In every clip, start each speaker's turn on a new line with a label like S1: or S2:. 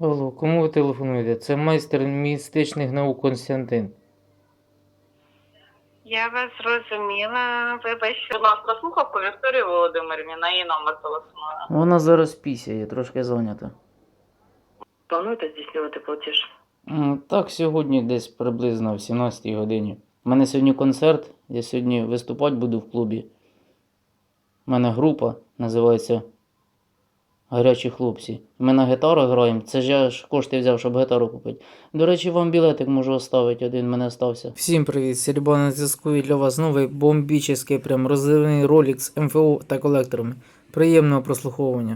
S1: Алло, кому ви телефонуєте? Це майстер містичних наук Константин.
S2: Я вас зрозуміла. Вибачте. Будь ласка, слухавку Вікторії Володимирівні, на її номер телефоную.
S1: Вона зараз пісяє, трошки зайнята.
S2: Плануєте здійснювати платіж?
S1: Так, сьогодні десь приблизно в 17-й годині. У мене сьогодні концерт, я сьогодні виступати буду в клубі. У мене група, називається Гарячі хлопці. Ми на гітару граємо, це ж я ж кошти взяв, щоб гітару купити. До речі, вам білетик можу оставити, один в мене остався. Всім привіт, Сереба на зв'язку, і для вас новий бомбічний, прям розривний ролик з МФО та колекторами. Приємного прослуховування.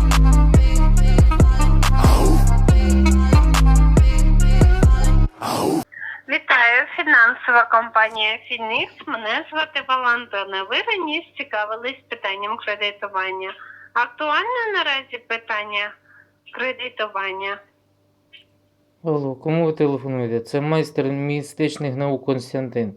S2: Вітаю, фінансова компанія Фінікс. Мене звати Валентина. Ви раніше цікавились питанням кредитування. Актуальне наразі питання кредитування?
S1: Алло, кому ви телефонуєте? Це майстер містичних наук Константин.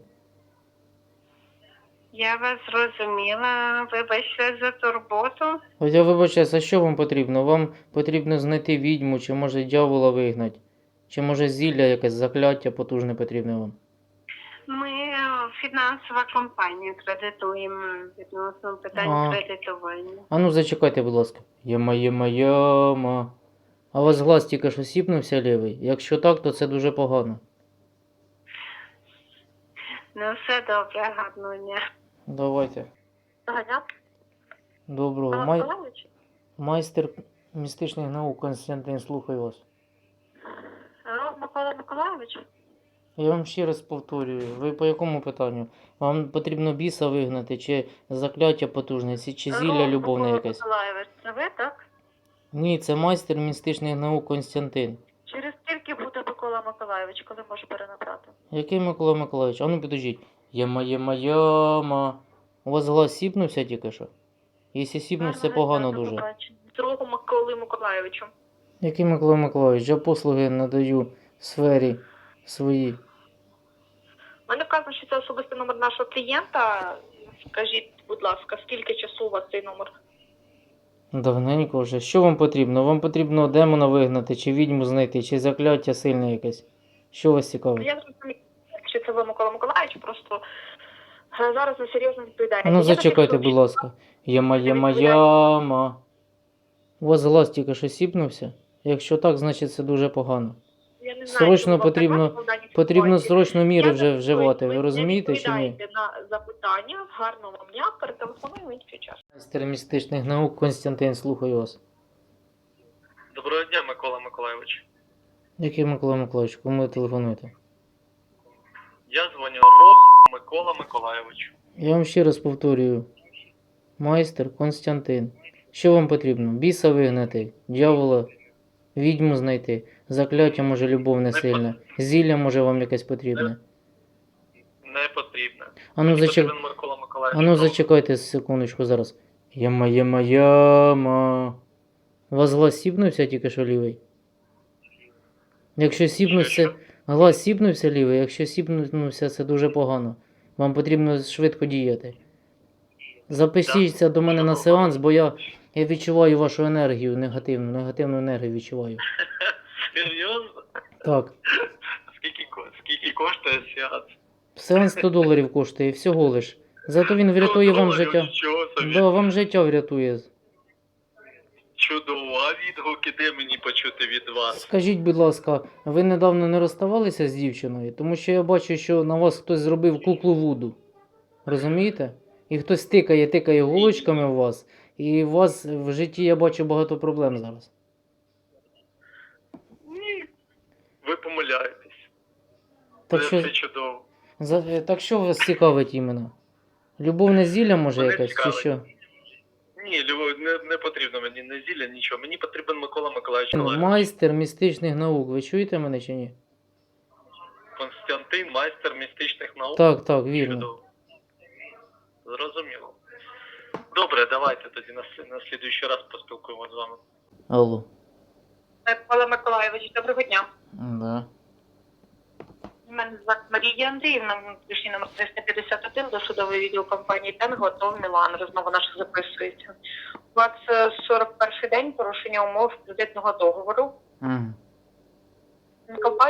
S2: Я вас зрозуміла. Вибачте за турботу.
S1: От я вибачаюсь, а що вам потрібно? Вам потрібно знайти відьму, чи може дьявола вигнати? Чи може зілля якесь закляття потужне потрібне вам?
S2: Ми фінансова компанія кредитуємо відносно питань кредитування.
S1: А ну зачекайте, будь ласка. Яма. А у вас глаз тільки що сіпнувся лівий? Якщо так, то це дуже погано.
S2: Ну все добре, гарного дня.
S1: Давайте.
S2: Дня.
S1: Доброго. Майстер містичних наук Константин, слухаю вас.
S2: Микола Миколайович?
S1: Я вам ще раз повторюю, ви по якому питанню? Вам потрібно біса вигнати, чи закляття потужне, чи зілля любовне якесь?
S2: Миколайович, це ви, так?
S1: Ні, це майстер містичних наук Константин.
S2: Через скільки буде Микола Миколайович, коли може перенабрати?
S1: Який Микола Миколайович? А ну підождіть. Яма. У вас глаз сіпнувся тільки що? Якщо сіпнувся, це погано дуже.
S2: Другу Миколи Миколайовичу.
S1: Який Микола Миколайович? Я послуги надаю в сфері своїй.
S2: Мене вказано, що це особистий номер нашого клієнта. Скажіть, будь ласка, скільки часу у вас цей номер?
S1: Давненько вже. Що вам потрібно? Вам потрібно демона вигнати, чи відьму знайти, чи закляття сильне якесь? Що вас цікавить?
S2: Я зрозумію, що це ви, Микола Миколайович, просто зараз ви серйозно відповідаєте.
S1: Ну зачекайте, будь ласка. Яма. У вас глаз тільки що сіпнувся? Якщо так, значить це дуже погано.
S2: Я не знаю,
S1: Срочно потрібно срочно міри вже вживати, ви розумієте чи ні?
S2: Відповідайте на запитання, гарного вам дня, перетелефоную в інший час.
S1: Майстер містичних наук Константин, слухаю вас.
S3: Доброго дня, Микола Миколайович.
S1: Який Микола Миколайович, кому ви телефонуєте?
S3: Я дзвоню Рох Микола Миколайович.
S1: Я вам ще раз повторюю. Майстер Константин. Що вам потрібно? Біса вигнати, дьявола, відьму знайти, закляття може любовне сильне, зілля може вам якесь потрібне.
S3: Не потрібно.
S1: Ану
S3: Микола Миколайович.
S1: зачекайте секундочку зараз. Яма. У вас глаз сіпнувся тільки що лівий? Якщо сіпнувся, глаз сіпнувся лівий, якщо сіпнувся, це дуже погано. Вам потрібно швидко діяти. Запишіться до мене на сеанс, бо я відчуваю вашу енергію негативну енергію відчуваю.
S3: Серйозно?
S1: Так.
S3: Скільки коштує сеанс?
S1: Сеанс $100 коштує, всього лиш. Зато він врятує вам життя.
S3: Нічого собі.
S1: Да, вам життя врятує.
S3: Чудово. А відгуки де мені почути від вас?
S1: Скажіть, будь ласка, ви недавно не розставалися з дівчиною? Тому що я бачу, що на вас хтось зробив куклу Вуду. Розумієте? І хтось тикає голочками в вас. І у вас в житті я бачу багато проблем зараз.
S3: Ні. Ви помиляєтесь.
S1: Так
S3: Це
S1: що,
S3: все чудово.
S1: так що вас цікавить іменно? Любовне зілля може
S3: Мене
S1: якесь чи
S3: цікавить.
S1: що?
S3: Ні, не потрібно мені не зілля, нічого. Мені потрібен Микола Миколайович.
S1: Майстер містичних наук. Ви чуєте мене чи ні?
S3: Константин, майстер містичних наук.
S1: Так, вірно.
S3: Чудово. Зрозуміло. Добре, давайте тоді на слідуючий раз поспілкуємося з вами.
S1: Алло.
S2: Микола Миколайович, доброго дня.
S1: Да.
S2: Мене звати Марія Андріївна, внутрішній номер 351, досудовий відділ компанії «Тенго», АТО, Мілан. Розмова наша записується. У вас 41-й день порушення умов кредитного договору.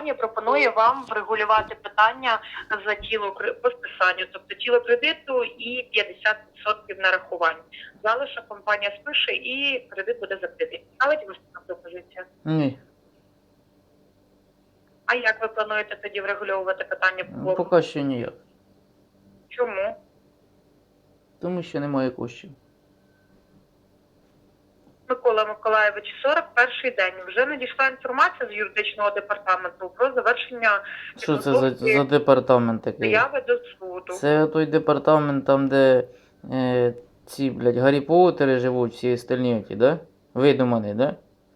S2: компанія пропонує вам врегулювати питання за по списанню, тобто тіло кредиту і 50% нарахувань. Залишок компанія спише і кредит буде закритий. Ставить вас така пропозиція?
S1: Ні.
S2: А як ви плануєте тоді врегульовувати питання по боргу?
S1: Поки що ніяк.
S2: Чому?
S1: Тому що немає коштів.
S2: Микола Миколаєвич, 41-й день. Вже надійшла інформація з юридичного департаменту про завершення
S1: Що це
S2: підготовки
S1: за департамент такий?
S2: заяви до суду.
S1: Це той департамент там, де ці, блядь, Гаррі Поттери живуть, всі остальні ті, да? Видумані, да?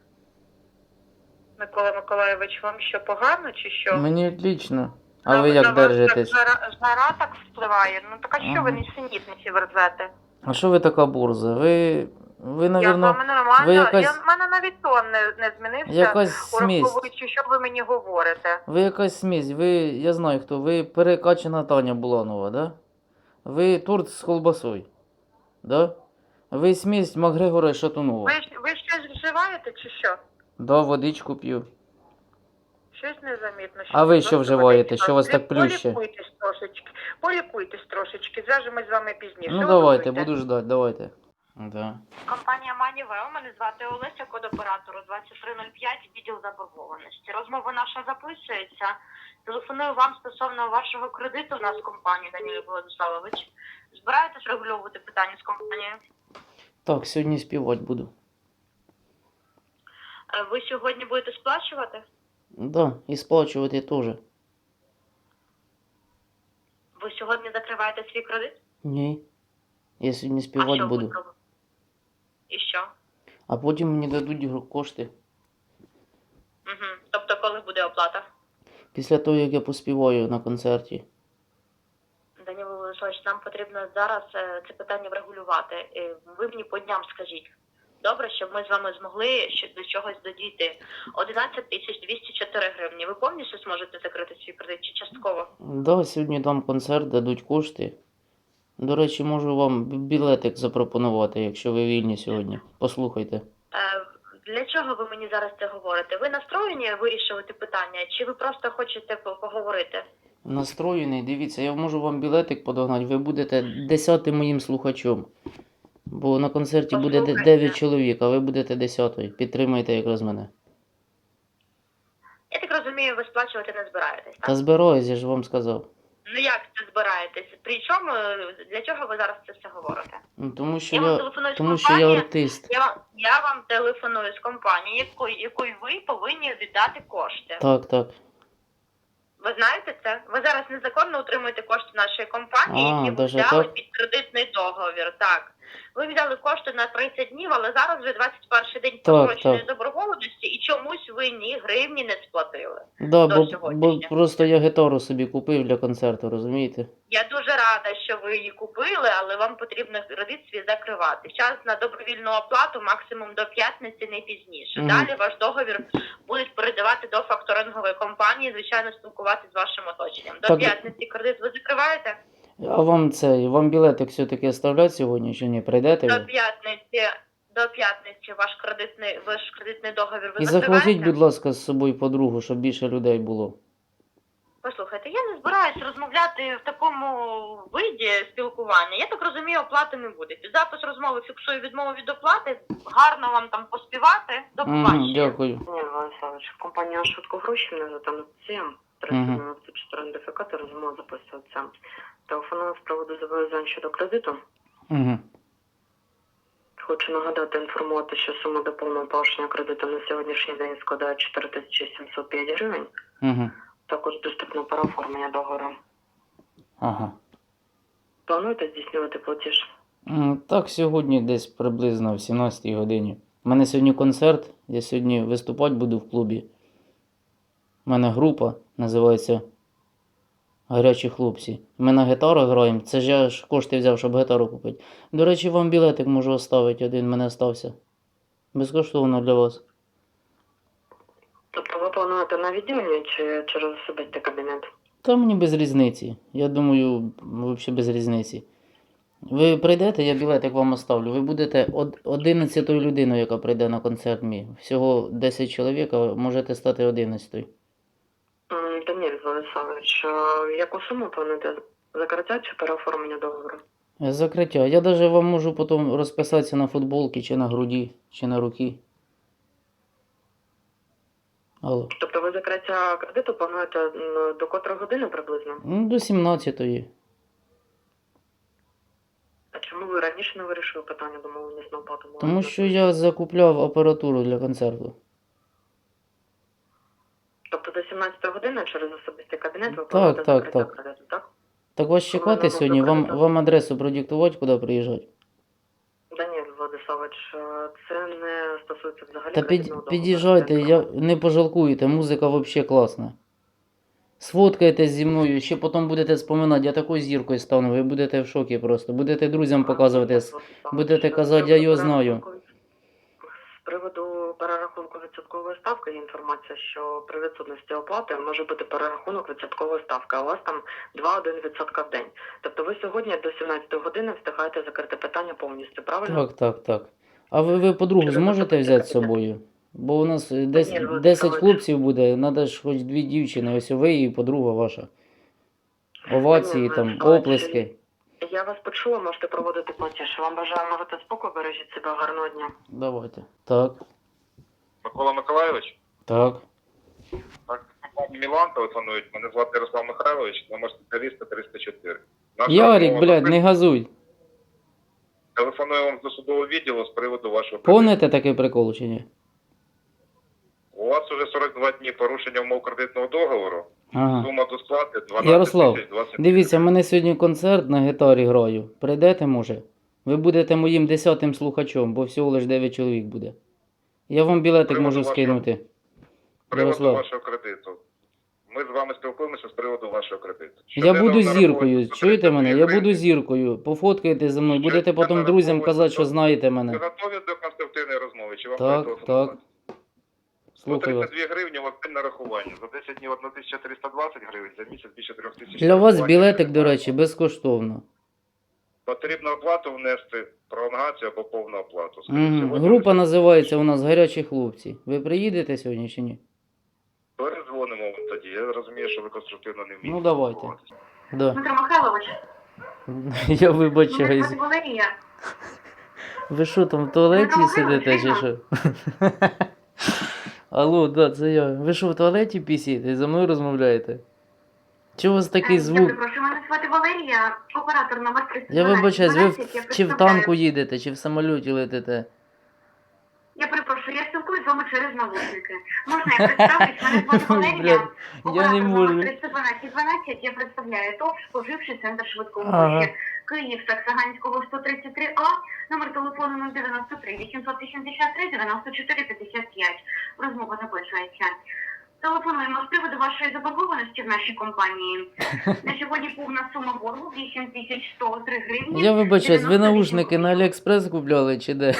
S2: Микола Миколаєвич, вам що, погано чи що?
S1: Мені отлично. А ви як
S2: На вас
S1: держитесь?
S2: жара так впливає? Ну так а що ви нісенітниці верзете?
S1: А що ви така борза? Ви
S2: Я з
S1: навірно,
S2: вами нормально,
S1: ви якась-
S2: в мене навіть тон не змінився,
S1: якась смесь.
S2: ураховуючи, що ви мені говорите.
S1: Ви якась смесь, я знаю хто, ви перекачана Таня Буланова, да? Ви торт з колбасою, да? Ви смесь Макгрегора і Шатунова.
S2: Ви щось вживаєте чи що?
S1: Да, водичку п'ю.
S2: Щось незамітно.
S1: А ви
S2: просто
S1: що вживаєте?
S2: водичка.
S1: Що вас так плюще?
S2: Полікуйтесь трошечки, зв'яжемось з вами пізніше.
S1: Ну давайте,
S2: Готуйте.
S1: буду ждать, давайте. Да.
S2: Компанія Манівео, мене звати Олеся, код оператору 2305, відділ заборгованості. Розмова наша записується. Телефоную вам стосовно вашого кредиту в нас в компанії, Данило Владиславович. Збираєтесь регульовувати питання з компанією?
S1: Так, сьогодні співати буду.
S2: Ви сьогодні будете сплачувати?
S1: Да, і сплачувати теж.
S2: Ви сьогодні закриваєте свій кредит?
S1: Ні. Я сьогодні
S2: А
S1: співати
S2: що
S1: буду.
S2: ви робите? І що?
S1: А потім мені дадуть кошти.
S2: Угу. Тобто коли буде оплата?
S1: Після того, як я поспіваю на концерті.
S2: Данило Владиславович, нам потрібно зараз це питання врегулювати. Ви мені по дням скажіть. Добре, щоб ми з вами змогли до чогось додійти. 11 204 гривні. Ви повністю зможете закрити свій кредит чи частково?
S1: Да, сьогодні дам концерт, дадуть кошти. До речі, можу вам білетик запропонувати, якщо ви вільні сьогодні. Послухайте.
S2: Для чого ви мені зараз це говорите? Ви настроєні вирішувати питання, чи ви просто хочете поговорити?
S1: Настроєний, дивіться, я можу вам білетик подогнати, ви будете 10-м моїм слухачом. Бо на концерті буде
S2: Послухайте.
S1: 9 чоловік, а ви будете 10-ю. Підтримайте якраз мене.
S2: Я так розумію, ви сплачувати не збираєтесь, так?
S1: Та збираюсь, я ж вам сказав.
S2: Ну як це збираєтесь? Причому, для чого ви зараз це все говорите?
S1: Ну, тому що
S2: Я вам
S1: я,
S2: телефоную з
S1: тому що я
S2: компанії.
S1: артист.
S2: Я вам телефоную з компанії, якої ви повинні віддати кошти.
S1: Так, так.
S2: Ви знаєте це? Ви зараз незаконно утримуєте кошти нашої компанії,
S1: А,
S2: які ви
S1: даже
S2: взяли
S1: так?
S2: під кредитний договір. Так. Ви взяли кошти на 30 днів, але зараз вже 21 день простроченої
S1: так.
S2: заборгованості і чомусь ви ні гривні не сплатили.
S1: Да,
S2: До
S1: бо
S2: сьогоднішнього.
S1: просто я гітару собі купив для концерту, розумієте?
S2: Я дуже рада, що ви її купили, але вам потрібно кредит свій закривати. Час на добровільну оплату максимум до п'ятниці, не пізніше.
S1: Мгм.
S2: Далі ваш договір будуть передавати до факторингової компанії, звичайно, спілкуватися з вашим оточенням. До
S1: Так.
S2: п'ятниці кредит ви закриваєте?
S1: А вам білетик все-таки оставлять сьогодні чи ні? Прийдете
S2: До
S1: ви?
S2: п'ятниці ваш кредитний договір ви
S1: І
S2: закриваєте?
S1: захватіть, будь ласка, з собою подругу, щоб більше людей було.
S2: Послухайте, я не збираюсь розмовляти в такому виді спілкування. Я так розумію, оплати не буде. Під запис розмови фіксую відмову від оплати. Гарно вам там поспівати. До побачення.
S1: Дякую.
S2: Ні, Владиславович, компанія «Швидко гроші» мене звати Анастасія. 394 ідентифікатор, розмова записується. Телефоную з приводу зобов'язань щодо кредиту.
S1: Угу.
S2: Хочу нагадати, інформувати, що сума до повного погашення кредиту на сьогоднішній день складає 4705 гривень.
S1: Угу.
S2: Також доступна переоформлення договору.
S1: Ага.
S2: Плануєте здійснювати платіж?
S1: Так, сьогодні десь приблизно в 17-й годині. У мене сьогодні концерт, я сьогодні виступати буду в клубі. У мене група, називається Гарячі хлопці. Ми на гітару граємо, це ж я ж кошти взяв, щоб гітару купити. До речі, вам білетик можу оставити, один в мене стався. Безкоштовно для вас.
S2: Тобто ви плануєте на відділенні чи через особистий кабінет?
S1: Та мені без різниці. Я думаю, взагалі без різниці. Ви прийдете, я білетик вам оставлю. Ви будете 11-ю людиною, яка прийде на концерт мій. Всього 10 чоловік, а можете стати 11-ю.
S4: Владиславович, яку суму плануєте? Закриття чи переоформлення договору?
S1: Закриття. Я навіть вам можу потім розписатися на футболці, чи на груді, чи на руки. Алло.
S4: Тобто ви закриття кредиту плануєте до котрої години приблизно?
S1: Ну, до 17-ї.
S4: А чому ви раніше не вирішили питання домовленість на оплату?
S1: Тому що я закупляв апаратуру для концерту.
S4: Тобто до 17 години через особистий кабінет ви
S1: Так,
S4: плануєте
S1: так,
S4: закриття
S1: так.
S4: кредиту, так?
S1: Так вас чекати
S4: Коли
S1: сьогодні?
S4: воно
S1: Вам адресу продиктувати, куди приїжджати?
S4: Даніель Владиславович, це не стосується взагалі
S1: Та
S4: кредитного договору.
S1: під'їжджайте,
S4: Це
S1: не пожалкуєте, музика взагалі класна. Сфоткайтесь зі мною, ще потім будете споминати, я такою зіркою стану, ви будете в шокі просто. Будете друзям показувати, будете казати, я його знаю.
S4: З приводу перерахунку відсоткової ставки є інформація, що при відсутності оплати може бути перерахунок відсоткової ставки, а у вас там 2,1% в день. Тобто ви сьогодні до 17 години встигаєте закрити питання повністю, правильно?
S1: Так. А ви подругу
S4: Через
S1: зможете
S4: особистий
S1: взяти з
S4: кабінет.
S1: собою? Бо у нас
S4: Ні,
S1: 10
S4: Владиславович.
S1: хлопців буде, треба ж хоч 2 дівчини, ось ви і подруга ваша. Овації, там,
S4: Владиславович,
S1: оплески.
S4: Я вас почула, можете проводити платіж. Вам бажаю мати спокою, бережіть себе, гарного дня.
S1: Давайте. Так.
S3: Микола Миколайович?
S1: Так.
S3: Так, Мілан телефонують. Мене звати Ярослав Михайлович, номер спеціаліста 304. Наша
S1: Ярик,
S3: розмова
S1: блядь, не газуй.
S3: Телефоную вам з досудового відділу з приводу вашого кредиту.
S1: Помните такий прикол чи ні?
S3: У вас уже 42 дні порушення умов кредитного договору.
S1: Ага.
S3: Сума до сплати 12
S1: Ярослав,
S3: 20.
S1: дивіться, в мене сьогодні концерт на гітарі граю. Прийдете, може? Ви будете моїм 10-тим слухачом, бо всього лише 9 чоловік буде. Я вам білетик
S3: Приводу
S1: можу
S3: вашого-
S1: скинути.
S3: З приводу
S1: Ярослав.
S3: вашого кредиту. Ми з вами спілкуємося з приводу вашого кредиту.
S1: Я
S3: Щоденно
S1: буду
S3: нараховується
S1: зіркою,
S3: 132
S1: чуєте мене? Я
S3: гривні.
S1: буду зіркою. Пофоткайте зі мною, будете
S3: Щоденно
S1: потім друзям
S3: нараховується
S1: казати, що знаєте
S3: Ви
S1: мене.
S3: готові до конструктивної розмови? Чи вам
S1: Так,
S3: перетелефонувати?
S1: Слухаю вас.
S3: 132 гривні у вас день нарахування. За 10 днів 1320 гривень, за місяць більше 3000.
S1: Для вас білетик, до речі, безкоштовно.
S3: Потрібно оплату внести, пролонгацію або повну оплату. Скажіть,
S1: Угу.
S3: сьогодні
S1: Група
S3: ви
S1: називається у нас «Гарячі хлопці». Ви приїдете сьогодні чи ні?
S3: перезвонимо вам тоді. Я розумію, що ви конструктивно не вмієте.
S1: Ну, давайте.
S3: спілкуватися.
S1: Да.
S2: Дмитро Михайлович,
S1: Я
S2: мене
S1: вибачаюсь.
S2: звати Валерія.
S1: Ви що там в туалеті
S2: Ну,
S1: сидите чи
S2: ну,
S1: що? Алло, да, це я. Ви що в туалеті пісієте? За мною розмовляєте? Чого у вас такий
S2: Я
S1: звук?
S2: перепрошую, мене звати Валерія, оператор номер 312.
S1: Я вибачаюсь, ви чи в танку
S2: представляю.
S1: їдете, чи в самоліті летите?
S2: Я перепрошую, я спілкуюсь з вами через навушники. Можна я представлюсь? Мене звати Валерія,
S1: Блядь, я не можу.
S2: номер 312. Я представляю ТОВ «Споживчий центр швидкої
S1: Ага.
S2: помощі». Київ, Саксаганського, 133А, номер телефону 093 883 94 55. Розмова записується. Телефонуємо з приводу вашої заборгованості в нашій компанії. На сьогодні повна сума боргу 8103 гривні.
S1: Я вибачаюсь, ви
S2: 98
S1: наушники на
S2: копійок.
S1: Аліекспрес купляли чи де?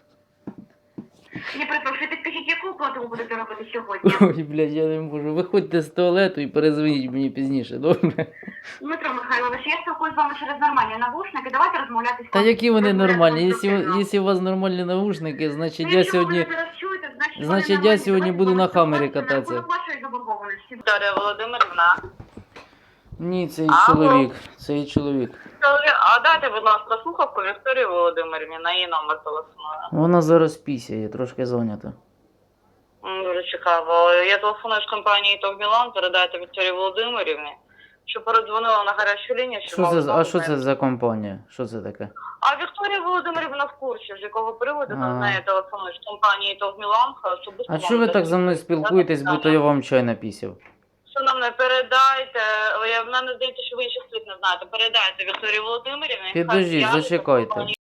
S2: Я перепрошую, підкажіть, яку оплату ви будете робити сьогодні?
S1: Ой, блядь, я не можу. Виходьте з туалету і перезвоніть мені пізніше, добре?
S2: Дмитро Михайлович, я спілкуюсь з вами через нормальні навушники, давайте розмовляти з
S1: Та які вони нормальні?
S2: конструктивно.
S1: Якщо у вас нормальні навушники, значить
S2: Ну,
S1: я
S2: якщо ви
S1: сьогодні...
S2: мене зараз чуєте, значить
S1: значить,
S2: вони
S1: я
S2: нормальні.
S1: сьогодні
S2: Давайте
S1: буду на
S2: спілкуватися
S1: Хаммері
S2: на
S1: кататися.
S2: рахунок вашої заборгованості.
S5: Вікторія Володимирівна.
S1: Ні, цей
S5: Алло.
S1: чоловік, цей чоловік.
S5: А дайте, будь ласка, слухавку Вікторії Володимирівні, на її номер телефоную.
S1: Вона зараз пісяє, трошки зайнята.
S5: Дуже цікаво. Я телефоную з компанії «ТОВ Мілан», передайте Вікторії Володимирівні, що передзвонила на гарячу лінію. Що мали змогу
S1: А що це
S5: з нею.
S1: за компанія? Що це таке?
S5: А Вікторія Володимирівна в курсі, з якого приводу
S1: А.
S5: до неї телефонують з компанії «ТОВ Мілан». Особисто
S1: А
S5: вам
S1: чого ви так за мною
S5: дадуть.
S1: спілкуєтесь, будто я вам чай напісяв?
S5: Шановне, передайте, в мене здається, що ви інших слів не знаєте, передайте Вікторії Володимирівні.
S1: Підождіть,
S5: Хай зв'яжеться з
S1: зачекайте.
S5: компанією